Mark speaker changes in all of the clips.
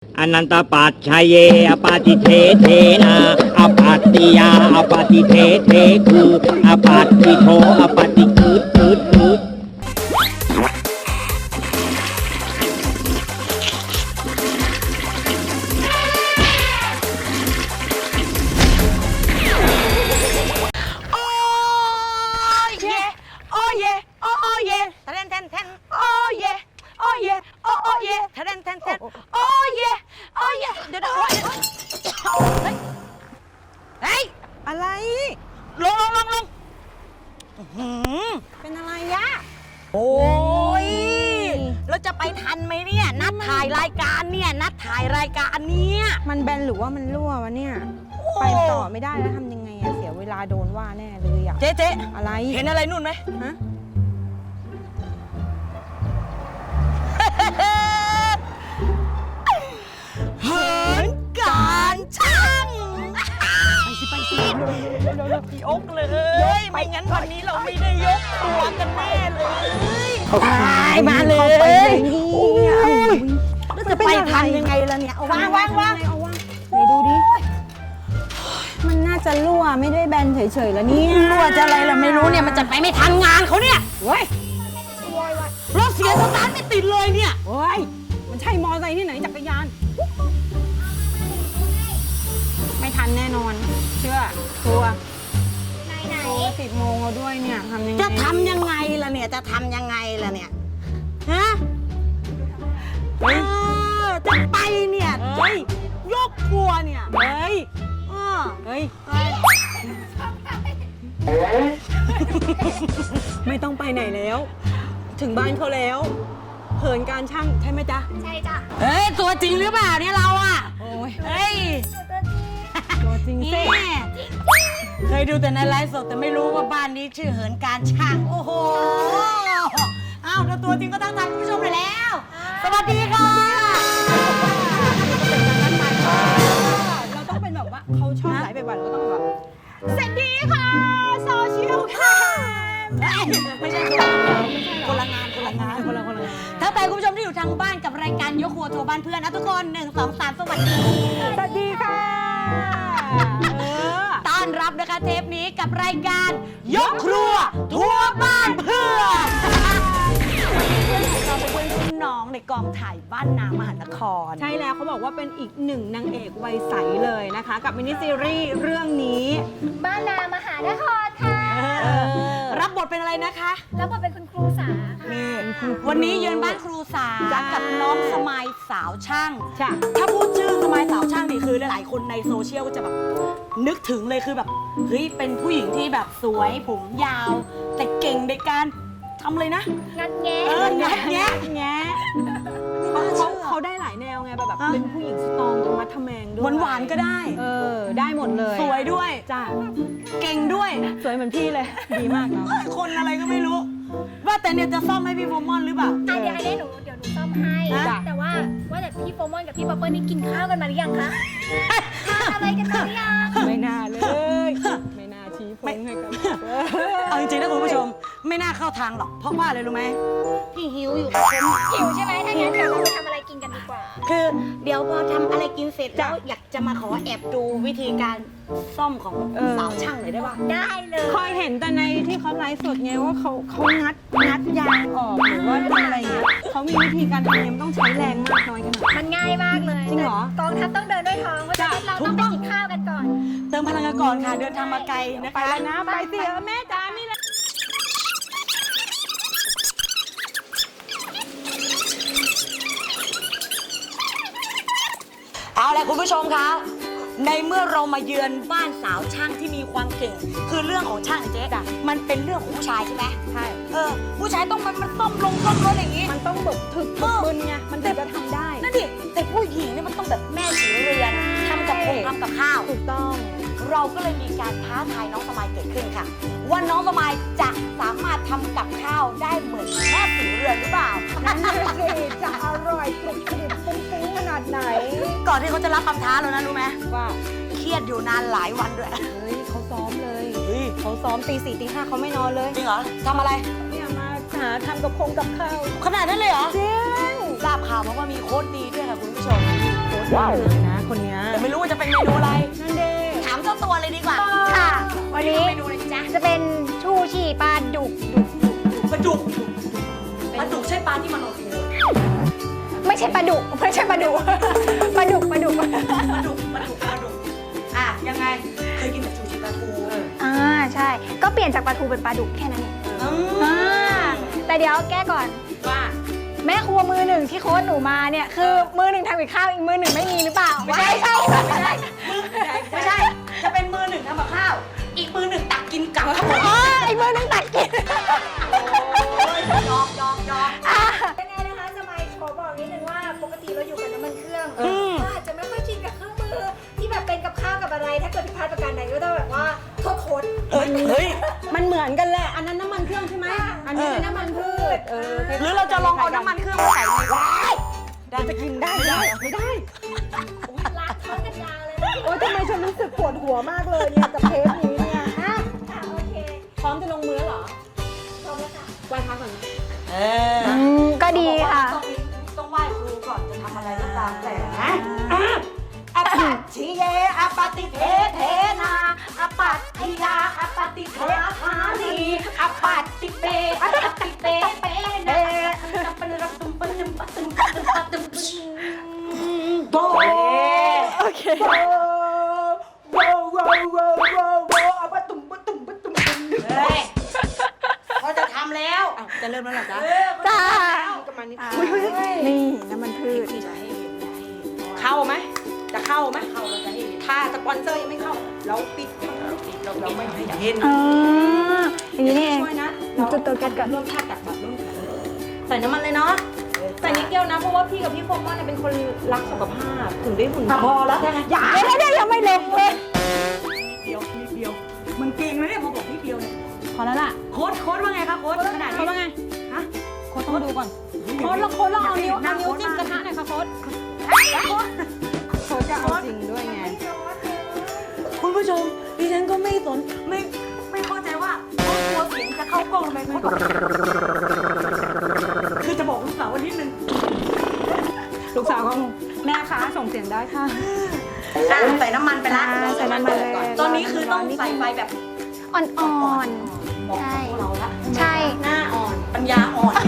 Speaker 1: อนันตปัจชัยเยอปาติเทเทนาอปัตติยาอปาติเทเทคืออปัตติโทอปาติคืดคืดคืด
Speaker 2: อะไร
Speaker 3: ลง
Speaker 2: เป็นอะไรยะ
Speaker 3: โอ้ยเราจะไปทันไหมเนี่ยนัดถ่ายรายการเนี่ย
Speaker 2: มันแบนหรือว่ามันรั่ววะเนี่ยไปต่อไม่ได้แล้วทำยังไงอะเสียเวลาโดนว่าแน่เลยอะ
Speaker 3: เจ๊
Speaker 2: อะไร
Speaker 3: เห็นอะไรนู่นไหม
Speaker 2: ฮะ
Speaker 3: เหินการช่างไปสิพี่อกเลยไม่งั้นวันนี้เราไม่ได้ยกตัวกันแน่เลยมาเลยแล้วจะไปทันยังไงล่ะเนี่ยเอาวาง
Speaker 2: เอาวางไหนดูดิมันน่าจะรั่วไม่ได้แบนเฉยๆแล้วเนี่ย
Speaker 3: รั่วจะอะไรล่ะไม่รู้เนี่ยมันจะไปไม่ทันงานเขาเนี่ย
Speaker 2: เว้ย
Speaker 3: รถเสียสตาร์ทไม่ติดเลยเนี่ย
Speaker 2: เว้ยมันใช่มอไซค์ที่ไหนจักรยานไม่ทันแน่นอนเชื่อทัวร์ไหน10 โมงแล้วด้วยเนี่ยทำยังไง
Speaker 3: จะทำยังไงล่ะเนี่ยฮะจะไปเนี่ยยกครัวเนี่ย
Speaker 2: ไม่ต้องไปไหนแล้วถึงบ้านเขาแล้วเหินการช่างใช่ไหมจ๊ะ
Speaker 4: ใช่จ้ะ
Speaker 3: ตัวจริงหรือเปล่าเนี่ยเราอ่ะ
Speaker 2: โอ้ย
Speaker 3: ตัว
Speaker 2: จริงสิ
Speaker 3: เคยดูแต่ในไลฟ์สดแต่ไม่รู้ว่าบ้านนี้ชื่อเหินการช่างโอ้โหอ้าวแล้วตัวจริงก็ตั้งใจคุณผู้ชมเลยแล้วสวัสดีค่ะ
Speaker 2: เราต้องเป็นแบบว่าเขาชอบไลฟ์บ่อยๆเราก็ต้องแบบ
Speaker 3: สวัสดีค่ะโซเชียลค่ะไม่ใช่คนละงานถ้าแต่คุณผู้ชมที่อยู่ทางบ้านกับรายการยกครัวทัวร์บ้านเพื่อนนะทุกคน1 2 3สวัสดี
Speaker 2: ค่ะ
Speaker 3: ต้อนรับนะคะเทปนี้กับรายการยกครัวทัวร์บ้านเพื่อนเราเป็นเพื่อนน้องในกองถ่ายบ้านนามหานคร
Speaker 2: ใช่แล้วเขาบอกว่าเป็นอีกหนึ่งนางเอกวัยใสเลยนะคะกับมินิซีรีส์เรื่องนี้
Speaker 4: บ้านนามหานครค่ะ
Speaker 3: รับบทเป็นอะไรนะคะ
Speaker 4: รับบทเป็นคุณครูสา
Speaker 3: วันนี้เยือนบ้านครูสากับน้องสมัยสาวช่าง
Speaker 2: ถ้
Speaker 3: าพูดชื่อสมัยสาวช่างนี่คือหลายๆคนในโซเชียลก็จะแบบนึกถึงเลยคือแบบเฮ้ยเป็นผู้หญิงที่แบบสวยผมยาวแต่เก่งในการทำเลยนะ
Speaker 4: งัดแงะ
Speaker 2: เขาได้หลายแนวไงแบบเป็นผู้หญิงสตรองธรรมะทแมงด้วย
Speaker 3: หวานก็ได้
Speaker 2: ได้หมดเลย
Speaker 3: สวยด้วย
Speaker 2: จ้า
Speaker 3: เก่งด้วย
Speaker 2: สวยเหมือนพี่เลยดีมากเนาะ
Speaker 3: คนอะไรก็ไม่รู้ว่าแต่เนี่ยจะซ่อมให้พี่โฟมอนหรือเปล่า
Speaker 4: เดี๋ยวหนูซ่อมให้แต่ว่าแต่พี่โฟมอนกับพี่ป๊อปเปอร์นี่กินข้าวกันมาหรือยังคะทานอะไรกันมาหรือยัง
Speaker 2: ไม่น่าเลยไม่น่าชี้พงให้กัน
Speaker 3: เอาจริงๆนะคุณผู้ชมไม่น่าเข้าทางหรอกเพราะว่าอะไรรู้ไหมพี่หิวอยู่
Speaker 4: หิวใช่ไหมถ้างั้นเดี๋ยวเราไปทำอะไรกินกันดีกว่า
Speaker 3: คือเดี๋ยวพอทำอะไรกินเสร็จแล้วอยากจะมาขอแอบดูวิธีการซ่อมของสาวช่างหน่อยได้ป่ะ
Speaker 4: ได้เลย
Speaker 2: คอยเห็นแต่ในที่เขาไลฟ์สดไงว่าเขางัดยางออกหรือว่าทำอะไรเงี้ยเขามีวิธีการทำเนี่ยมันต้องใช้แรงมากน้อยขนาด
Speaker 4: มันง่ายมากเลย
Speaker 2: จริงเหร
Speaker 4: อกองทัพต้องเดินด้วยท้องเพราะฉะนั้นเราต้องไปกินข้าวกันก่อน
Speaker 3: เติมพลังกันก่อนค่ะเดินทางมาไกลนะคะ
Speaker 2: ไปแล้วนะไปสิแม่จ๋ามีแล้ว
Speaker 3: เอาละคุณผู้ชมคะในเมื่อเรามาเยือนบ้านสาวช่างที่มีความเก่งคือเรื่องของช่างเจ๊อะมันเป็นเรื่องของผู้ชายใช่ไหม
Speaker 2: ใช่
Speaker 3: ผู้ชายต้องมันซ่อมรถอย่างนี้
Speaker 2: มันต้องแบบถึกบึนไงมันถึงจะทำได้
Speaker 3: นั่นดิแต่ผู้หญิงเนี่ยมันต้องแบบแม่สีเรือนทำกับข้าว
Speaker 2: ถูกต้อง
Speaker 3: เราก็เลยมีการท้าทายน้องสมัยเกิดขึ้นค่ะว่าน้องสมัยจะสามารถทำกับข้าวได้เหมือนแม่สีเรือนหรือเปล่า
Speaker 2: นั่นสิจะอร่อยกรุบกริบฟุ้งขนาดไหน
Speaker 3: ก่อนที่เขาจะรับคำท้าเรานะรู้ไหม
Speaker 2: ว่า
Speaker 3: เครียดอยู่นานหลายวันด้วย
Speaker 2: เฮ้ยเขาซ้อมเลยเขาซ้อมตี 4 ตี 5เขาไม่นอนเลย
Speaker 3: จริงเหรอทำอะไร
Speaker 2: เนี่ยมาหาทำกับข้าว
Speaker 3: ขนาดนั้นเลยเหรอ
Speaker 2: จริง
Speaker 3: ทราบข่าวมาว่ามีโค้ชดีด้วยค่ะคุณผู้ชม
Speaker 2: โค้ชนะคนเนี้ย
Speaker 3: แต่ไม่รู้ว่าจะเป็นเมนูอะไร
Speaker 2: นั่นเด้
Speaker 3: ถามเจ้าตัวเลยดีกว่า
Speaker 4: ค่ะ วันนี้
Speaker 3: เมนูอะไรจ๊ะ
Speaker 4: จะเป็นชูชีปลาดุก
Speaker 3: ปลาดุกปลาดุกใช่ปลาที่มันโอเค
Speaker 4: ไม่ใช่ปลาดุกไม่ใช่ปลาดุกปลาดุก
Speaker 3: ปลาดุกอ่ะยังไงเคยกินแต่ชูชีปลาทู
Speaker 4: ใช่ ก็เปลี่ยนจากปลาทูเป็นปลาดุกแค่นั้นเอง
Speaker 3: อืม
Speaker 4: แต่เดี๋ยวแก้ก่อน
Speaker 3: ว่า
Speaker 4: แม่ครัวมือหนึ่งที่โค้ชหนูมาเนี่ยคือมือหนึ่งทำกับข้าวอีกมือหนึ่งไม่มีหรือเปล่าไม่ใช่
Speaker 3: ไม่ใช่ จะเป็นมือหนึ่งทำกับข้าว อีกมือหนึ่งตักกินกับข้าว
Speaker 4: อ๋ออีกมือหนึ่งตักกิน
Speaker 3: ยอก
Speaker 4: ยังไงนะคะจะมาขอบอกนิดนึงว่าปกติเราอยู่กับน้ำมันเครื่องก็อาจจะไม่ค่อยชินกับเครื่องมือที่แบบเป็นกับข้าวกับอะไร ถ้าเกิดผิดพลาดประการใดก็ต้องแบบว่าโทษโค้ช
Speaker 3: เฮ้ย
Speaker 2: มันเหมือนกันแหละ อันนั้นน้ำมันเครื่องใช่ไหมอันนี้เป็นน้ำมันพืช
Speaker 3: หรือเราจะลองเอาน้ำมันเครื่องมาใส่ในว้าย
Speaker 2: จะกินได้ไม่ได้
Speaker 4: รักเขากันยาวเลย
Speaker 2: โอ๊ยทำไมฉันรู้สึกปวดหัวมากเลยเนี่ยกับเทปนี้เนี่ยฮะ
Speaker 4: ค่ะโอเค
Speaker 2: พร้อมจะลงมือแล้วเหรอ
Speaker 4: พร้อมแล้วค่ะ
Speaker 2: ไหว้พระก่อนนะ
Speaker 4: ก็ดีค่ะ
Speaker 3: ต้องไหว้ครูก่อนจะทำอะไรก็ตามแต่นะอปัตชิเยอปฏิเทเทนาอปัตติยาอปฏิเทธานีอปัตติเปอปฏิเปเปเนตัมปะระตุมปะตุมปะตุมปะตุมปะตุมโบโอเคโวอปะตุมปะตุมปะตุมเฮ้ยเขาจะทำแล้ว
Speaker 2: จะเริ่มแล้วเหรอจ๊ะ
Speaker 4: จ้า
Speaker 2: ประมาณนี้
Speaker 4: นี่น้ำมันพืช
Speaker 3: เข้าไหมจะเข้าไหมเข้าเราจะให้เห็นถ้าสปอนเซอร์ยังไม่เข้าเราปิดเราไม่ให้เห็น
Speaker 4: อย่างนี้นี่เอง
Speaker 3: ช่วยนะ
Speaker 4: จุดตัวแก๊สก่อน
Speaker 3: ร่วมชาติแบบร่วมใส่น้ำมันเลยเนาะใส่นิดเดียวนะเพราะว่าพี่กับพี่โฟมอนเนี่ยเป็นคนรักสุขภาพถึงได้หุ่นพอแล้วอย่า
Speaker 4: ไม่ได้ยังไม่ลงเลย
Speaker 3: นิดเดียวมันเก่งนะเนี่ยพอบอกนิดเดียวเนี่ย
Speaker 2: พอแล้วล่ะ
Speaker 3: โค้ดว่าไงคะโค้ดขนาด
Speaker 2: โค้
Speaker 3: นี้
Speaker 2: ดว่าไง
Speaker 3: ฮะ
Speaker 2: โค้ดต้องดูก่อนโค้ดแล้วเอานิ้วจิ้มกระทะหน่อยค่ะโค้ดโค้ดจะเอาจริงด้วยไง
Speaker 3: คุณผู้ชมดิฉันก็ไม่เข้าใจว่าเขากลัวเสียงจะเข้ากล้องทำไมเขาคือจะบอกลูกสาววันนิดนึง
Speaker 2: ลูกสาวก็แม่คะส่งเสียงได้ค่ะ
Speaker 3: ใส่น้ำมันไปละ
Speaker 2: ใส่น้ำมันเลย
Speaker 3: ตอนนี้คือต้องใส่ไฟแบบ
Speaker 4: อ่อน
Speaker 3: บอกกับพวกเราละ
Speaker 4: ๆ ใช่
Speaker 3: หน้าอ่อนปัญญาอ่อน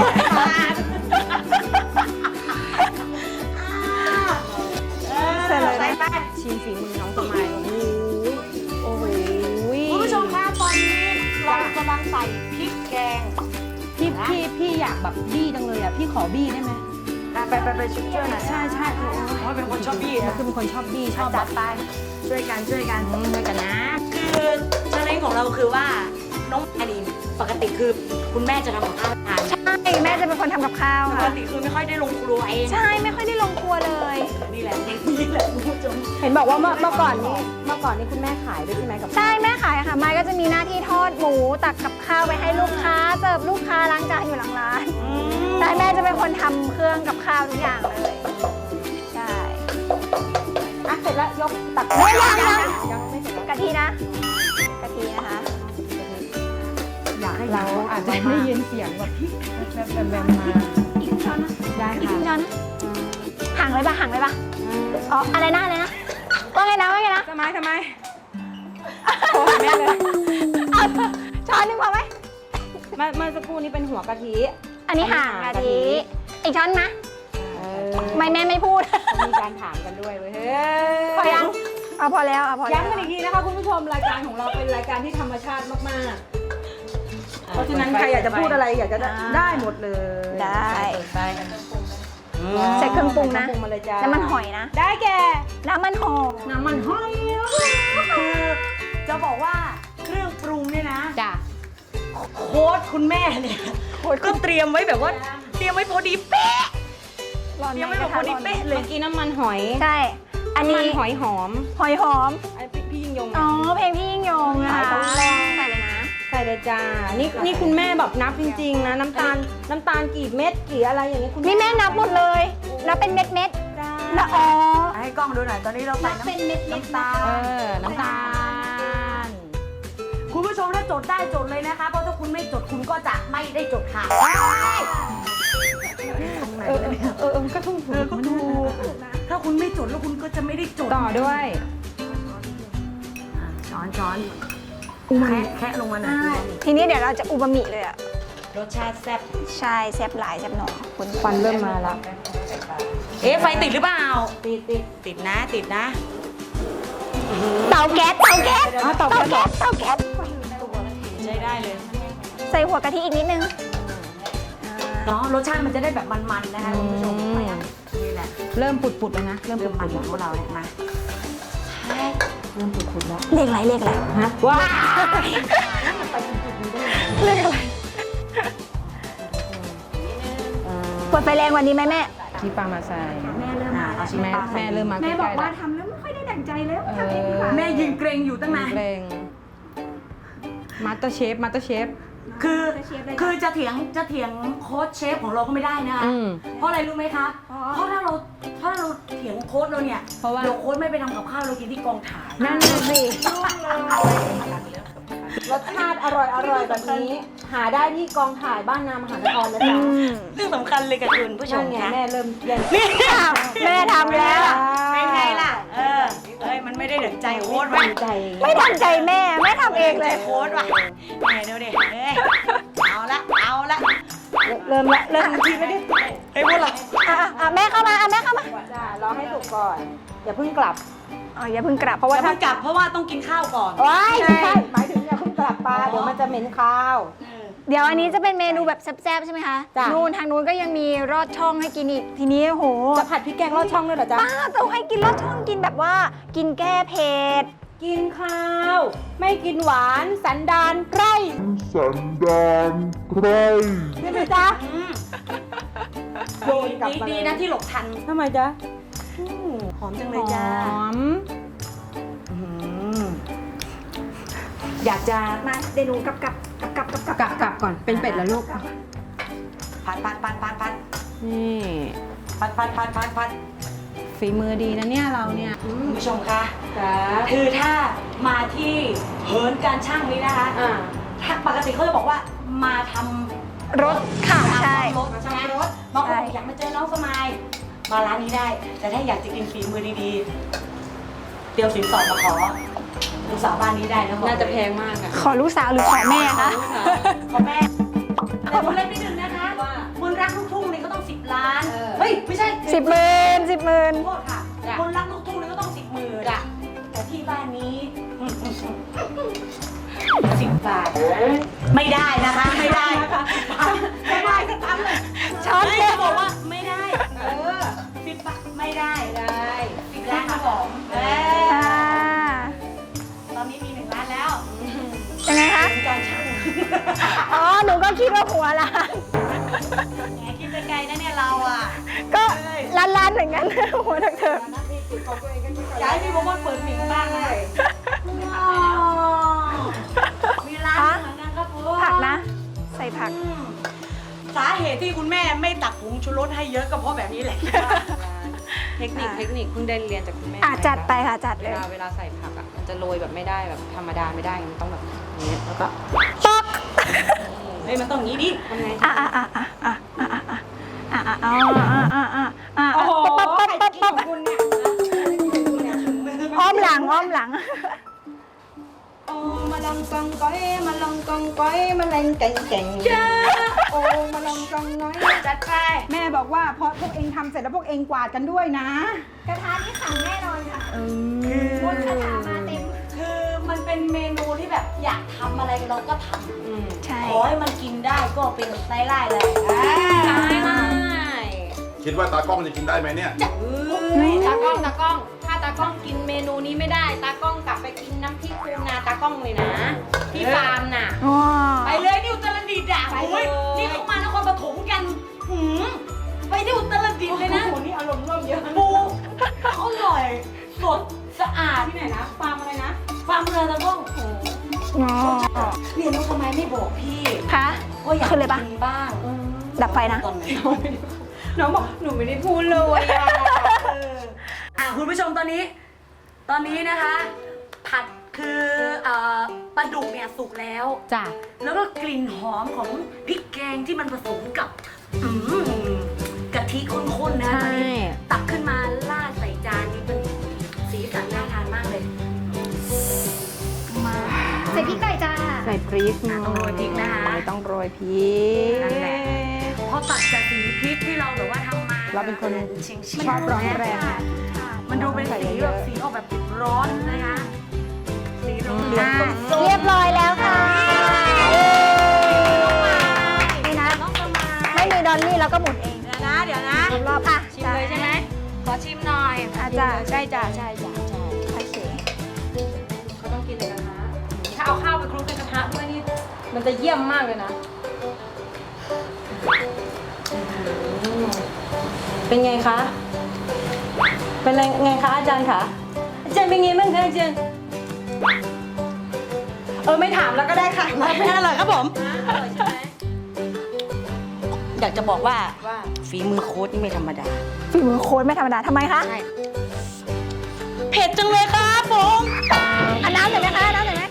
Speaker 3: เสร็จเลยไป
Speaker 2: ชิมฝีมือน้องสมัยโอ้โห
Speaker 3: คุณผู้ชมคะตอนนี้เรากำลังใส่พริกแกง
Speaker 2: พี่อยากแบบบี้จังเลยอ่ะพี่ขอบี้ได้ไหม
Speaker 3: ไปช่วยหน่อย
Speaker 2: ใช่
Speaker 3: เพราะเป็นคนชอบบี้นะ
Speaker 2: คือเป็นคนชอบบี้ชอบแบ
Speaker 3: จั
Speaker 2: บ
Speaker 3: ดไปช่วยกัน
Speaker 2: ด้วยกันนะ
Speaker 3: คือเชลเลนของเราคือว่าน้องอันนี้ปกติคือคุณแม่จะทำกับข้าวทาน
Speaker 4: ใช่ แม่จะเป็นคนทำกับข้าว
Speaker 3: ปก
Speaker 4: ค่ะ
Speaker 3: ติคือไม่ค่อยได้ลงครัวเอง
Speaker 4: ใช่ ไม่ค่อยได้ลงครัวเลย
Speaker 3: นี่แหละคุณผู้ชม
Speaker 2: เห็นบอกว่าเมื่อก่อนนี่คุณแม่ขายด้วยใช่ไหมกับ
Speaker 4: ใช่ แม่ขายค่ะ ไม้ก็จะมีหน้าที่ทอดหมู ตักกับข้าวไปให้ลูกค้า เสิร์ฟลูกค้าล้างจานอยู่หลังร้านใช่แม่จะเป็นคนทำเครื่องกับข้าวทุกอย่างเลย ใช่
Speaker 2: อ่ะเสร็จแล้วยกตัก
Speaker 4: ยังไม่เสร็จกะทินะ กะทินะคะ
Speaker 2: อยากให้เราอาจจะได้ยินเสียงแบบแบบมา
Speaker 4: อีกครึ่งช้อนนะ
Speaker 2: ได้
Speaker 4: อีกค
Speaker 2: ค่ะ
Speaker 4: รึ่งช้อนนะห่างเลยปะอ๋อ อะไรนะว่าไงนะ
Speaker 2: ทำไมโทรหาแม่เลย
Speaker 4: เอาช้อนหนึงพอไหม
Speaker 2: เมื่อสักครู่นี้เป็นหัวกะทิ
Speaker 4: อันนี้ห่างกะทิ อีกช้อนนะไม่แม่ไม่พูด
Speaker 2: มีการถามกันด้วยเว้ย
Speaker 4: พอยังเอาพอแล้วเอาพอแล้ว
Speaker 2: ย้ำกันอีกทีนะคะคุณผู้ชมรายการของเราเป็นรายการที่ธรรมชาติมากๆเพราะฉะนั้นใครอยากจะพูดอะไรอยากจะได้หมดเลย
Speaker 4: ได้
Speaker 3: ไป
Speaker 4: ใส่เครื่องปรุงนะ
Speaker 2: ปรุงมาเลยจ้า
Speaker 4: น้ำมันหอยนะ
Speaker 2: ได้แก่
Speaker 4: น้ำมันหอย
Speaker 2: น้ำมันหอย
Speaker 3: คือจะบอกว่าเครื่องปรุงเนี่ยนะ
Speaker 2: จ้ะ
Speaker 3: โค้ดคุณแม่เนี่ยก็เตรียมไว้แบบว่าเตรียมไว้พอดีเป๊ะ
Speaker 4: ร้อน
Speaker 3: เตรียม
Speaker 4: ไหม
Speaker 3: ไว้
Speaker 4: ก
Speaker 3: แบ
Speaker 4: ระ
Speaker 3: บพ
Speaker 4: ทะ
Speaker 3: อดี
Speaker 4: ร้อน
Speaker 3: เป๊ะเลย
Speaker 2: เมื่อกี้น้ำมันหอย
Speaker 4: ใช่ อัน
Speaker 2: น้ำมั
Speaker 4: นี้
Speaker 2: นหอยหอม
Speaker 4: หอยหอม
Speaker 2: ไอ้พี่ยิ่งยง
Speaker 4: อ๋อ เพลงพี่ยิ่งยงนะคะ
Speaker 2: ต้องลอง
Speaker 4: ใส่เลยนะ
Speaker 2: ใส่เลยจ้านี่คุณแม่แบบนับจริงๆนะน้ำตาลกี่เม็ดกี่อะไรอย่างนี้คุณ
Speaker 4: นี่แม่นับหมดเลย นับเป็นเม็ด
Speaker 2: ได้
Speaker 4: ๆนะอ๋อ
Speaker 3: ให้กล้องดูหน่อยตอนนี้เราใส่
Speaker 4: นับเป็นเม็ดๆ
Speaker 3: น้ำตาล
Speaker 2: น้ำตาล
Speaker 3: คุณผู้ชมถ้าจดได้จดเลยนะคะเพราะถ้าคุณไม่จดคุณก็จะไม่ได้จดค่ะ
Speaker 2: ก็ถูก
Speaker 3: ก็ถูกถ้าคุณไม่จดแล้วคุณก็จะไม่ได้จด
Speaker 2: ต่อด้วย
Speaker 3: ช้อนแคะลงมาหน่อย
Speaker 4: ทีนี้เดี๋ยวเราจะอูมามิเลยอะ
Speaker 3: รสชาติแซ่บ
Speaker 4: ใช่แซ่บหลายแซ่บหนอคุณ
Speaker 2: ควันเริ่มมาแล้ว
Speaker 3: เอ๊ะไฟติดหรือเปล่าติดนะ
Speaker 4: เตาแก๊สเตาแก๊ส
Speaker 2: เตาแก๊ส
Speaker 4: เตาแก๊ส
Speaker 3: ใช้ได้เลย
Speaker 4: ใส่หัวกะทิอีกนิดนึง
Speaker 3: เนาะรสชาติมันจะได้แบบมันๆนะคะคุณผู้ชมนี่แหละ
Speaker 2: เริ่มปุดๆแล้วนะ เริ่ม
Speaker 3: เรื่อง
Speaker 2: ปุ
Speaker 3: มัน
Speaker 2: ดๆ
Speaker 3: ของ
Speaker 2: แล้ว
Speaker 3: เราเนี่ยมา
Speaker 2: เริ่มปุดๆแล้ว
Speaker 4: เลขอะไรเลขอะไร
Speaker 2: ฮะว้า
Speaker 4: เลขอะไรกดไฟแรงกวันนี้ไหมแม่
Speaker 2: ที่ปลามาใส่
Speaker 4: แม่เริ่มมา
Speaker 3: เอาชิ้น
Speaker 2: แม่
Speaker 3: ปลา
Speaker 2: แม่เริ่มมาใก
Speaker 4: แม่
Speaker 2: ล้ๆ
Speaker 4: บอกว่า
Speaker 2: แล้ว
Speaker 4: ทำแล้วไม่ค่อยได้ดั่งใจแล้วทำเองดีกว่า
Speaker 3: แม่ยืนเกรงอยู่ตั้งนาน
Speaker 2: เพลงมาสเตอร์เชฟ
Speaker 3: คือจะเถียงโค้ชเชฟของเราก็ไม่ได้นะคะ
Speaker 2: อืม
Speaker 3: เพราะอะไรรู้ไหมคะ เพราะถ้าเราเถียงโค้ชเราเนี่ย
Speaker 2: เพราะว่า
Speaker 3: เดี๋ยวโค้ชไม่ไปทำกับข้าวเรากินที่กองถ่าย
Speaker 2: นั่นน่ะสิรสชาติอร่อยแบบนี้ หาได้ที่กองถ่ายบ้านนามหานครนะจ๊ะ
Speaker 3: เรื่องสำคัญเลยกับคุณผู้ช
Speaker 2: นั่
Speaker 3: ม
Speaker 2: นไง
Speaker 3: คะ
Speaker 2: แม่เริ่มแย่ง
Speaker 3: นี่
Speaker 4: แม่ทำแล้ว
Speaker 3: เป็นไงล่ะมันไม่ได้ดั่งใจโค้ชว่ะ
Speaker 2: ใจ
Speaker 4: ไม่ทันใจแม่แม่ทำเองเลย
Speaker 3: โค้ชว่ะแหมดูดิเอาละ
Speaker 2: เริ่มละเริ่มทีไม่ได้
Speaker 3: เฮ้ยพวกเรา
Speaker 4: แม่เข้ามาแม่เข้ามา
Speaker 2: จ้ารอให้สุกก่อน อย่าเพิ่งกลับ
Speaker 4: อ๋ออย่าเพิ่งกลับเพราะ
Speaker 3: อย่า
Speaker 4: ว่า
Speaker 3: เพิ่งกลับเพราะว่าต้องกินข้าวก่อน
Speaker 2: ว้ายใช่หมายถึงอย่าเพิ่งกลับปลาเดี๋ยวมันจะเหม็นข้าว
Speaker 4: เดี๋ยวอันนี้จะเป็นเมนูแบบแซ่บๆใช่ไหมคะ
Speaker 2: จ้ะ
Speaker 4: นู่นทางนู้นก็ยังมีรอดช่องให้กินอีกทีนี้โห
Speaker 2: จะผัดพริกแกงลอดช่องด้วยเหรอจ๊ะ
Speaker 4: ป้าต้องให้กินรอดช่องกินแบบว่ากินแก้เผ็ด
Speaker 2: กินข้าว ไม่กินหวานสันดานไพร่
Speaker 5: สันดานไพร่
Speaker 2: ใช่ไหมจ๊ะ โยนกลับมาเลย
Speaker 3: ดีนะที่หลบทัน
Speaker 2: ทำไมจ๊ะ
Speaker 3: หอมจัง
Speaker 2: ห
Speaker 3: เลยจ้า
Speaker 2: อม
Speaker 3: อยากจะ
Speaker 4: มาเดี๋ยวหนูกลับก่อน
Speaker 2: เป็นเป็ดแล้วลูก
Speaker 3: พัด
Speaker 2: นี่
Speaker 3: พัด
Speaker 2: ฝีมือดีนะเนี่ยเราเนี่ย
Speaker 3: คุณผู้ชมคะ
Speaker 2: จ้า
Speaker 3: คือถ้ามาที่เหินการช่างนี้นะคะ ถ้าปกติเขาจะบอกว่ามาทำ
Speaker 4: รสค่ะใช่
Speaker 3: รถใช่ไหมรถบางคนบอกอยากมาเจอน้องสมายมาร้านนี้ได้ แต่ถ้าอยากจะกินฝีมือดีๆ เตรียมสินสอดมาขอลูกสาวบ้านนี้ได้นะบอก
Speaker 2: น่าจะแพงมากอะ
Speaker 4: ขอลูกสาวหรือขอแม่คะ
Speaker 3: ขอแม่แต่คุณเล่นนิดนึงนะคะมนต์รักลูกทุ่งนี่ก็ต้อง10 ล้าน เฮ้ย ไม่ใช่
Speaker 4: 10,000
Speaker 3: โทษค่ะคนรักลูกทุ่งนี่ก็ต้อง10,000จ้ะแต่ที่บ้านนี้ 10 บาท ไม่ได้นะคะ ไม่ได้นะคะไม่ได้ก็ทำเลย
Speaker 4: ช้อน
Speaker 3: ไม่
Speaker 4: เผ็ด
Speaker 3: บอกว่าไม่ได้10 บาทไม่ได้10 ล้านครับผมตอนนี้มี1 ล้านแล้ว
Speaker 4: ยังไงคะ
Speaker 3: การช่าง
Speaker 4: อ๋อ หนูก็คิดว่าหัวละ
Speaker 3: แหมคิดไปไกลนะเนี่ยเราอ่ะ
Speaker 4: ก็ล้านๆเหมือนกัน หัวเถิก
Speaker 3: ย้ายพี่บอกว่าเปิดหมิงบ้างเลยมีร้านเหมือนกันครับผม
Speaker 4: ผักนะ ใส่ผัก
Speaker 3: สาเหตุที่คุณแม่ไม่ตักผงชูรสให้เยอะก็เพราะแบบนี้แหละ
Speaker 2: เทคนิคเพิ่งได้เรียนจากคุณแม่
Speaker 4: จัดไปค่ะจัดเลย
Speaker 2: เวลาใส่ผักอ่ะมันจะโรยแบบไม่ได้แบบธรรมดาไม่ได้มันต้องแบบนี้แล้วก็
Speaker 4: ป๊อก
Speaker 3: เฮ้ยมันต้องอย่างนี้ดิ
Speaker 2: ทำไง
Speaker 4: โอ้โหอ้อมหลัง
Speaker 2: โอ้มาลองกองก้อยมาลองกองก้อยมาแรงเก่งจ้าโอ้มาลองกองน้อย
Speaker 3: จัดไป
Speaker 2: แม่บอกว่าพอพวกเองทำเสร็จแล้วพวกเองกวาดกันด้วยนะ
Speaker 4: กระทะนี่ขังแน่นอนค่ะบนกระทะมาเต็ม
Speaker 3: คือมันเป็นเมนูที่แบบอยากทำอะไรเราก็ทำ
Speaker 4: ใช่
Speaker 3: ขอให้มันกินได้ก็เป็นไส้ไล่เลย
Speaker 5: คิดว่าตากล้องจะกินได้ไหมเนี่ย
Speaker 6: ตากล้อง ถ้าตากล้องกินเมนูนี้ไม่ได้ ตากล้องกลับไปกินน้ำพริกคูนาตากล้องเลยนะ ที่ฟาร์มน่ะ
Speaker 3: ไปเลยที่อุตรดิตถ์อ่ะ
Speaker 6: ไปเลย
Speaker 3: โอ้ยนี่เขามานครปฐมกันไปที่อุตรดิตถ์เลยนะ
Speaker 2: โอ้โหนี่อารมณ์ร่วมเยอะ
Speaker 3: ปูอร่อยสดสะอาด
Speaker 2: ที่ไหนนะฟาร์มอะไรนะ
Speaker 3: ฟาร์มเรือตะก้อง
Speaker 4: อ๋อ
Speaker 3: เรียนรู้ทำไมไม่บอกพี่
Speaker 4: คะ
Speaker 3: ก็อยาก
Speaker 4: ขึ้นเลยปะ
Speaker 3: กินบ้าง
Speaker 4: ดับไฟนะ
Speaker 3: ตอนไหน
Speaker 2: น้องบอกหนูไม่ได้พูดเลยอะ
Speaker 3: คุณผู้ชมตอนนี้นะคะ ผัดคือปลาดุกเนี่ยสุกแล้ว
Speaker 2: จ้ะ
Speaker 3: แล้วก็กลิ่นหอมของพริกแกงที่มันผสมกับกะทิข้นๆนะ
Speaker 2: ใช่
Speaker 3: ตักขึ้นมาราดใส่
Speaker 4: พริกหน่อยจ้า
Speaker 2: ใส่พริกหน่อย
Speaker 3: ต้องโรยพริกนะคะ
Speaker 2: ต้องโรยพริก
Speaker 3: นั่นแหละ เพราะตัดจากสีพริกที่เราแบบว่าทำมา
Speaker 2: เราเป็นคน
Speaker 3: เฉียง
Speaker 2: ชอบร้อนแรง
Speaker 3: มันดูเป็นสีแบบสีออกแบบร้อนนะคะสีเหลืองๆส้ม
Speaker 4: เรียบร้อยแล้วค่ะนี่นะ
Speaker 3: น้องสมาย
Speaker 4: ไม่มีดอลลี่แล้วก็หมุนเอง
Speaker 3: เดี๋ยวนะ
Speaker 4: รอบอ่ะ
Speaker 3: ชิมเลยใช่ไหมขอชิมหน่อย
Speaker 4: อาจารย์
Speaker 3: ใช่จ้ะใช่จ้ะใช่
Speaker 4: โอเค
Speaker 3: เขาต้องกินในกระทะถ้าเอาข้าวไปคลุกในกระทะด้วยนี่มันจะเยี่ยมมากเลยนะเป็นไงคะเป็นไงคะอาจารย์คะอาจารย์เป็นไงบ้างคะอาจารย์ไม่ถามแล้วก็ได้ค่ะไม่อร่อยครับผมอร่อยใช่ไหม
Speaker 6: อยากจะบอกว่าฝีมือโค้ชนี่ไม่ธรรมดา
Speaker 4: ฝีมือโค้ดไม่ธรรมดาทำไมคะ
Speaker 6: ใช่เผ็ดจังเลยครับผม
Speaker 4: อันน้ำหน่อยไหมคะน้ำหน่อยไหม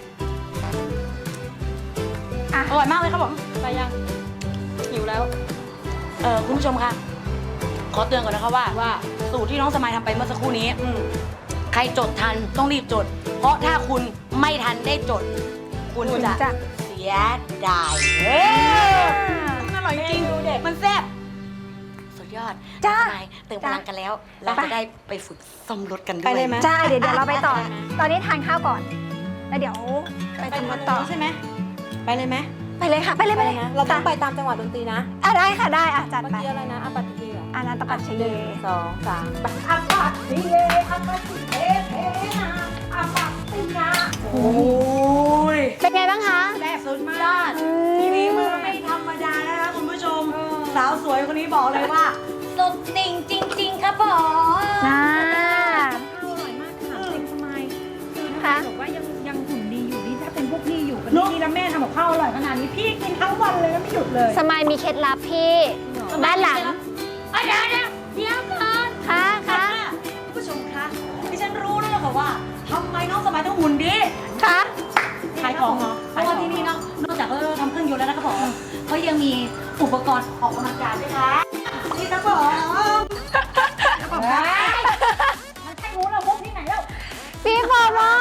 Speaker 6: อร่อยมากเลยครับผมไปยังหิวแล้วคุณผู้ชมคะขอเตือนก่อนนะคะว่าสูตรที่น้องสมัยทำไปเมื่อสักครู่นี้ใครจดทันต้องรีบจด เพราะถ้าคุณไม่ทันได้จด คุณจะเสียดายอร่อยจริงมันแซ่บสุดยอด
Speaker 4: จ้า
Speaker 6: นายเติมพลังกันแล้ว เราจะได้ไปฝึกซ่อมรถกันด้วย
Speaker 3: ไปเลยไหม
Speaker 4: ใช่เดี๋ยวเราไปต่อ ตอนนี้ทานข้าวก่อน แล้วเดี๋ยวไปทำรถต่อ
Speaker 3: ใช่ไหมไปเลยไหม
Speaker 4: ไปเลยค่ะ ไปเลยไปเลย
Speaker 3: เราต้องไปตามจังหวะดนตรีนะ
Speaker 4: ได้ค่ะได้จัด
Speaker 3: เมื่อ
Speaker 4: ไป
Speaker 3: กี้อะไรนะอาปัตติเหรอ
Speaker 4: อันนั้นตะปัดชเย
Speaker 3: 2 3ไป
Speaker 4: อาปัดชเยอาปัดชเยเทนาอาปัดตินา
Speaker 3: โอ้ย
Speaker 4: เป็นไงบ้างคะ
Speaker 3: แซ่บสุดมากทีนี้มือไม่ธรรมดานะคะคุณผู้ชม สาวสวยคนนี้บอกเลยว่าสุดติ่งจริง ๆ ครับผม
Speaker 4: น่า
Speaker 2: อร่อยมากค่ะเป็นสมัยคือ
Speaker 4: ค่ะ
Speaker 2: ถ้าบอกว่ายังหุ่นดีอยู่นี่ถ้าเป็นพวกพี่อยู่กันนี่แล้วแม่ทำกับข้าวอร่อยขนาดนี้พี่กินทั้งวันเลยแล้วไม่หยุดเลย
Speaker 4: สมายมีเคล็ดลับพี่ด้านหลัง
Speaker 3: เดี๋ยวก่อน
Speaker 4: ค่ะค่ะ
Speaker 3: คุณผู้ชมคะดิฉันรู้แล้วล่ะค่ะว่าทำไมน้องสมัยต้องหุ่นดี
Speaker 4: ค่ะ
Speaker 3: ขายของเหรอเพราะว่าที่นี่เนาะนอกจากทำเครื่องยนต์แล้วนะครับผมเขายังมีอุปกรณ์ออกกำลังกายด้วยค่ะนี่ครับผมมันใช่รู้แล้วมุกที่ไหนแล้ว
Speaker 4: พี่โฟมอน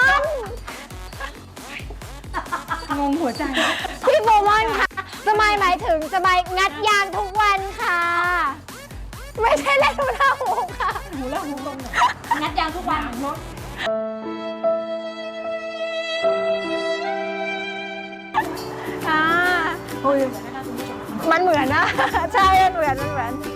Speaker 2: งงหัวใจ
Speaker 4: พี่โฟมอนค่ะสมายหมายถึงสมายงัดยางทุกวันค่ะ ไม่ใช่เล่นหูละหูค่ะ
Speaker 3: งัดยางทุกวันรถ
Speaker 4: อุ้ยมันเหมือนนะ ใช่มันเหมือน
Speaker 3: เพราะ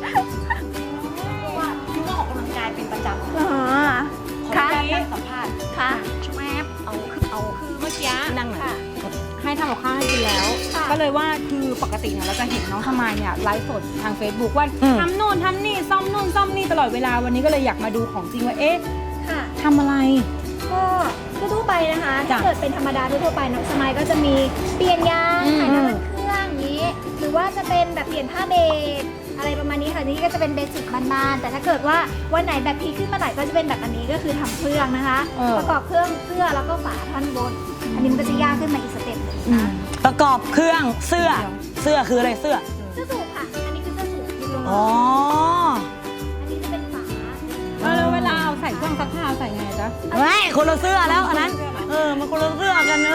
Speaker 3: ว่าพี่ก็ออกกำลังกายเป็นประจำ
Speaker 4: อ๋อ
Speaker 3: ขอ
Speaker 4: ค่ะ
Speaker 3: อนุญาตสัมภาษณ์
Speaker 4: ค่ะ
Speaker 3: แวบเอาคือเมื่อกี้
Speaker 2: นั่งหน่อยให้ทำกับข้าวให้กินแล้ว
Speaker 4: ค่ะ
Speaker 2: ก็เลยว่าคือปกติเนี่ยเราจะเห็นน้องทมายเนี่ยไลฟ์สดทาง Facebook ว่าทำโน่นทำนี่ซ่อมโน่นซ่อมนี่ตลอดเวลาวันนี้ก็เลยอยากมาดูของจริงว่าเอ๊ะ
Speaker 4: ค่ะ
Speaker 2: ทำอะไร
Speaker 4: ก็ทั่วๆไปนะคะ
Speaker 2: จ้ะ
Speaker 4: ถ้าเกิดเป็นธรรมดาทั่วๆไปน้องสมายก็จะมีเปลี่ยนยาง
Speaker 2: อืม
Speaker 4: ถ่ายน้ำมันเครื่องอย่างนี้ หรือว่าจะเป็นแบบเปลี่ยนผ้าเบรกอะไรประมาณนี้ค่ะนี่ก็จะเป็นเบสิกบ้านๆแต่ถ้าเกิดว่าวันไหนแบบพีคขึ้นมาหน่อยก็จะเป็นแบบอันนี้ก็คือทำเครื่องนะคะ ประกอบเครื่องเสื้อแล้วก็ฝาท่อนบน อันนี้มันก็จะยากขึ้นมาอีกสเต็ปหนึ่งนะ
Speaker 6: ประกอบเครื่องเสื้อคืออะไรเสื้อ
Speaker 4: เสื้อสูทค่ะ อันนี้คือเสื้อสูทที่ลง
Speaker 6: อ๋อ
Speaker 4: อันนี้จะเป็นฝา
Speaker 2: แล้วเวลาเอาใส่เครื่องซักผ้าใส่ไงจ๊ะ
Speaker 6: ไม่คนละเสื้อแล้วอันนั้นมันคนละเสื้อกัน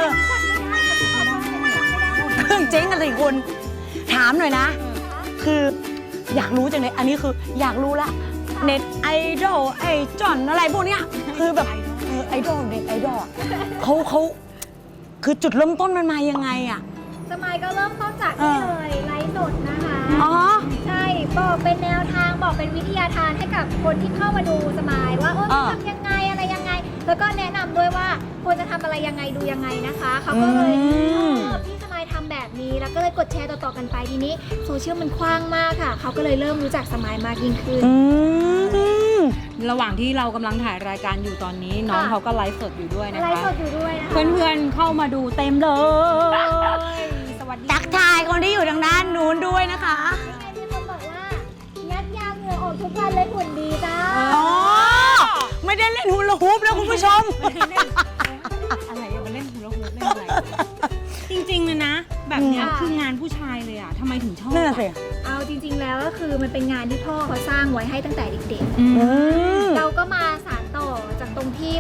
Speaker 6: เครื่องเจ๊งกันสิคุณถามหน่อยนะ คืออยากรู้จังเลยอันนี้คืออยากรู้ละเน็ตไอดอลไอจอนอะไรพวกเนี้ยคือแบบไอดอลเน็ตไอดอลเขาคือจุดเริ่มต้นมันมายังไงอ่ะ
Speaker 4: สมัยก็เริ่มต้นจากนี่เลยไลฟ์สดนะคะ
Speaker 6: อ๋อ
Speaker 4: ใช่บอกเป็นแนวทางบอกเป็นวิทยาทานให้กับคนที่เข้ามาดูสมายว่าทำยังไงอะไรยังไง แล้วก็แนะนำด้วยว่าควรจะทำอะไรยังไงดูยังไงนะคะเขาก็เลยพี่สมายทำแบบนี้แล้วก็เลยกดแชร์ต่อๆกันไปทีนี้โซเชียลมันกว้างมากค่ะเขาก็เลยเริ่มรู้จักสมายมากยิ่งขึ้น
Speaker 2: ระหว่างที่เรากำลังถ่ายรายการอยู่ตอนนี้น้องเขาก็ไลฟ์สดอยู่ด้วยนะ
Speaker 4: ไล
Speaker 2: คะ
Speaker 4: ฟ์สดอยู่ด้วยนะคะ
Speaker 2: เพื่อนๆเข้ามาดูเต็มเลย สวัสดี
Speaker 6: ทักทายคนที่อยู่ทางด้านนู้นด้วยนะคะ
Speaker 4: มีคนบอกว่างัดยางเหงื่อออกทุกวันเลยหุ่นดีจ้า
Speaker 6: อ๋อ ไม่ได้เล่นฮูลาฮูปนะคุณผู้ชม
Speaker 2: อะไรอะมาเล่นฮูลาฮูปเล่นอะไร จริงๆเลยนะ แบบเนี้ยคืองานผู้ชายเลยอะทำไมถึงชอบ
Speaker 6: นั่นน่ะสิ
Speaker 4: เอาจริงๆแล้วก็คือมันเป็นงานที่พ่อเขาสร้างไว้ให้ตั้งแต่เด็ก
Speaker 2: อืม
Speaker 6: อืม
Speaker 4: ๆ เราก็มาสานต่อจากตรงที่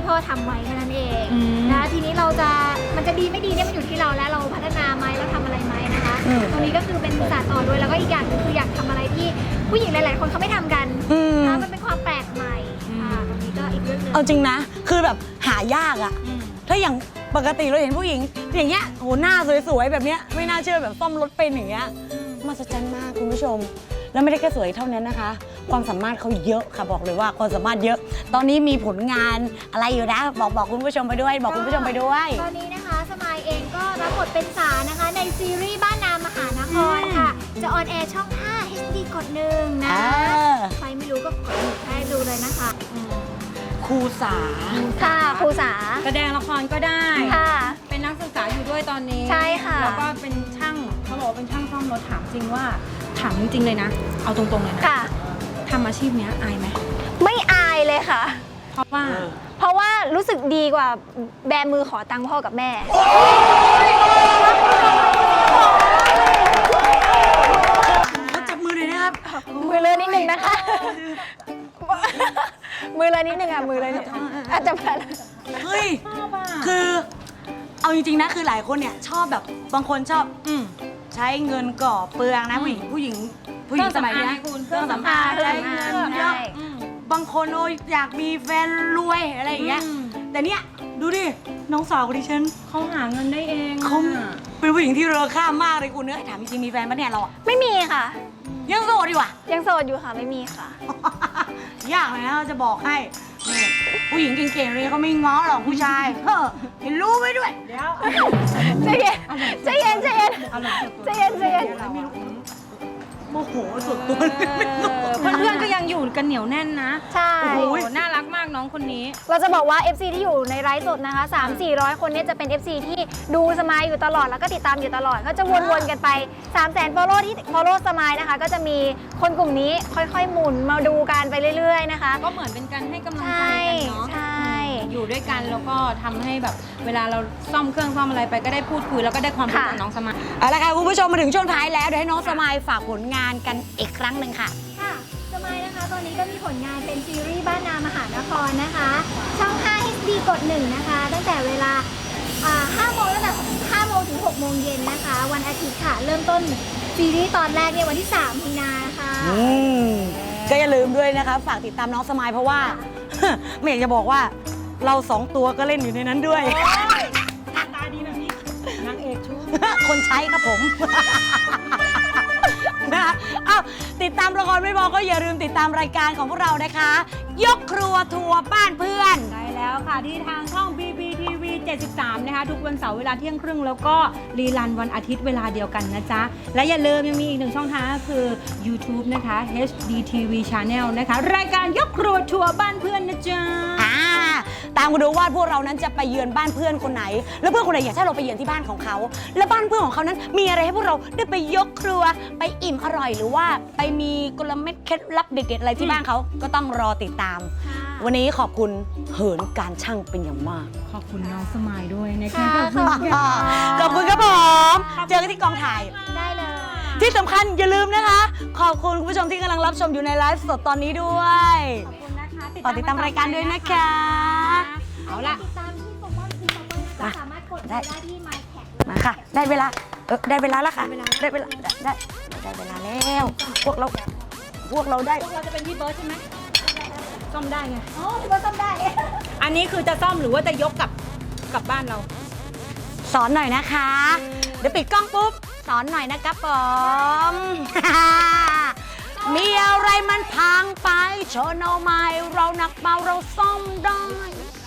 Speaker 4: พ่อทำไว้แค่นั้นเอง
Speaker 2: อืม
Speaker 4: นะทีนี้มันจะดีไม่ดีเนี่ยมันอยู่ที่เราแล้วเราพัฒนาไหมเราทำอะไรไหมนะคะตรงนี้ก็คือเป็นศาสตร์ต่อด้วยแล้วก็อีกอย่างหนึงคืออยากทำอะไรที่ผู้หญิงหลายๆคนเขาไม่ทำกันนะมันเป็นความแปลกใหม่ตรงนี้ก็อีกเรื่องหนึง
Speaker 6: เอาจริงนะ คือแบบหายากอะถ้าอย่างปกติเราเห็นผู้หญิงอย่างเงี้ยโหหน้าสวยๆแบบเนี้ยไม่น่าเชื่อแบบซ่อมรถเป็นอย่างเงี้ยมหัศจรรย์มากคุณผู้ชม แล้วไม่ได้แค่สวยเท่านั้นนะคะ ความสามารถเขาเยอะค่ะบอกเลยว่าความสามารถเยอะ ตอนนี้มีผลงานอะไรอยู่นะบอกคุณผู้ชมไปด้วย บอกคุณผู้ชมไปด้วย
Speaker 4: ตอนนี้นะคะสมายเองก็รับบทเป็นสานะคะในซีรีส์บ้านนามหานครค่ะ จะออนแอร์ช่อง 5 HD กด1นะใครไม่รู้ก็กดให้ดูเลยนะคะ
Speaker 6: ครูสา
Speaker 4: ค่ะครูสา
Speaker 2: แสดงละครก็ได้
Speaker 4: ค่ะ
Speaker 2: เป็นนักศึกษาอยู่ด้วยตอนนี้
Speaker 4: ใช่ค่ะ
Speaker 2: แล้วก็เป็นช่างเขาบอกว่าเป็นช่างซ่อมรถถามจริงว่าถามจริงๆเลยนะ เอาตรงๆเลยนะ
Speaker 4: ค่ะ
Speaker 2: ทำอาชีพเนี้ยอายไหม
Speaker 4: ไม่อายเลยค่ะ
Speaker 2: เพราะว่า
Speaker 4: เพราะว่ารู้สึกดีกว่าแบมือขอตังค์พ่อกับแม่
Speaker 6: เขาจับมือเลยนะครับ
Speaker 4: มือเลยนิดนึงนะคะ มือเลยนิดนึงอ่ะมือเลยนิดอาจจะแบบ
Speaker 6: เฮ้ย คือเอาจริงๆนะคือหลายคนเนี่ยชอบแบบบางคนชอบใช้เงินก่อเปลืองนะผู้หญิงสมัยเนี้ย
Speaker 2: เครื่องสำอาง
Speaker 6: ใช้เงินเยอะบางคนโอ้ยอยากมีแฟนรวยอะไรอย่างเงี้ยแต่เนี่ยดูดิน้องสาวของดิฉัน
Speaker 2: เขาหาเงินได้เอง
Speaker 6: เขาเป็นผู้หญิงที่เรอค่ามากเลยคุณเนื้อถามจริงๆมีแฟนปะเนี่ยเราอะ
Speaker 4: ไม่มีค่ะ
Speaker 6: ยังโสดดีกว่า
Speaker 4: ยังโสดอยู่ค่ะไม่มีค่ะ
Speaker 6: ยากเลยนะเราจะบอกให้นี่ผู้หญิงเก่งๆเลยเขาไม่ง้อหรอกผู้ชายเฮ้อเห็นรู้ไว้ด้วย
Speaker 2: เดี๋ยว
Speaker 4: ใจเย็นใจเย็นใจเย็นใจเย็น
Speaker 6: โมโหสุดตัว
Speaker 2: เพื่อนๆก็ยังอยู่กันเหนียวแน่นนะ
Speaker 4: ใช่
Speaker 2: โอ้โหน่ารักมากน้องคนนี้
Speaker 4: เราจะบอกว่า FC ที่อยู่ในไลฟ์สดนะคะ 300-400 คนเนี้จะเป็น FC ที่ดูสมายอยู่ตลอดแล้วก็ติดตามอยู่ตลอดก็จะวนๆกันไป 300,000 follow ที่ follow สมายนะคะ ก็จะมีคนกลุ่มนี้ค่อยๆหมุนมาดูกันไปเรื่อยๆนะคะ
Speaker 2: ก็เหมือนเป็นการให้กำลัง
Speaker 4: ใช่
Speaker 2: ใจกันเนาะ
Speaker 4: ใช่
Speaker 2: อยู่ด้วยกันแล้วก็ทำให้แบบเวลาเราซ่อมเครื่องซ่อมอะไรไปก็ได้พูดคุยแล้วก็ได้ความรู้จากน้องสมัย
Speaker 6: เอาละค่ะคุณผู้ชมมาถึงช่วงท้ายแล้วเดี๋ยวให้น้องสมายฝากผลงานกันอีกครั้งหนึ่งค่ะ
Speaker 4: ค่ะสมายนะคะตอนนี้ก็มีผลงานเป็นซีรีส์บ้านนามหานครนะคะ ช่อง 5 HD กด 1 นะคะ ตั้งแต่เวลา5 โมงตั้งแต่5 โมงถึง 6 โมงเย็นนะคะ วันอาทิตย์ค่ะ เริ่มต้นซีรีส์ตอนแรกเนี่ยวันที่ 3 มีนาค่ะ
Speaker 6: ก็อย่าลืมด้วยนะคะ ฝากติดตามน้องสมายเพราะว่า ไม่อยากจะบอกว่าเรา2ตัวก็เล่นอยู่ในนั้นด้วย
Speaker 2: ตาดีแบบนี้นางเอกชู
Speaker 6: คนใช้ครับผม นะคะอ้าวติดตามละครไม่พอก็อย่าลืมติดตามรายการของพวกเรานะคะ ยกครัวทัวร์บ้านเพื่อน
Speaker 2: ได้แล้วค่ะที่ทางช่อง BBTV 73 นะคะ ทุกวันเสาร์เวลาเที่ยงครึ่งแล้วก็รีลันวันอาทิตย์เวลาเดียวกันนะจ๊ะ และอย่าลืมยังมีอีกหนึ่งช่องทางก็คือ YouTube นะคะ HDTV Channel นะคะ รายการยกครัวทัวร์บ้านเพื่อนนะจ๊ะ
Speaker 6: ตามมาดูว่าพวกเรานั้นจะไปเยือนบ้านเพื่อนคนไหน แล้วเพื่อนคนไหนอยากให้เราไปเยือนที่บ้านของเขา และบ้านเพื่อนของเขานั้นมีอะไรให้พวกเราได้ไปยกครัวไปอิ่มอร่อย หรือว่าไปมีกลเม็ดเคล็ดลับเด็ดๆอะไรที่บ้านเขาก็ต้องรอติดตาม วันนี้ขอบคุณเหินการช่างเป็นอย่างมาก
Speaker 2: ขอบคุณน้องสมายด้วยนะคะ
Speaker 4: ค่ะ
Speaker 2: ขอบคุณค่ะ
Speaker 6: ขอบคุณครับผมเจอกันที่กองถ่าย
Speaker 4: ได้เลย
Speaker 6: ที่สำคัญอย่าลืมนะคะ ขอบคุณคุณผู้ชมที่กำลังรับชมอยู่ในไลฟ์สดตอนนี้ด้วย
Speaker 2: ขอบคุณนะคะ
Speaker 6: ฝากติดตามรายการด้วยนะคะ
Speaker 2: เอาล่ะ
Speaker 4: ติดตามที่โปรโมทที่โปรโมทนะคะสามารถกดได้ที่ My Tag
Speaker 6: มาค่ะ ได้เวลาได้เวลาแล้วค่ะ ได้เวลาได้เวลาแล้ว พวกเราได้
Speaker 2: พวกเราจะเป็นพี่เบิร์ดใช่ไหมซ่อมได้ไง
Speaker 4: อ๋อที่ว่าต้องได้
Speaker 2: อันนี้คือจะซ่อมหรือว่าจะยกกลับบ้านเรา
Speaker 6: สอนหน่อยนะคะ เดี๋ยวปิดกล้องปุ๊บ สอนหน่อยนะครับผม มีอะไรมันพังไปโชว์เอาไม้เราหนักเบาเราซ่อมได้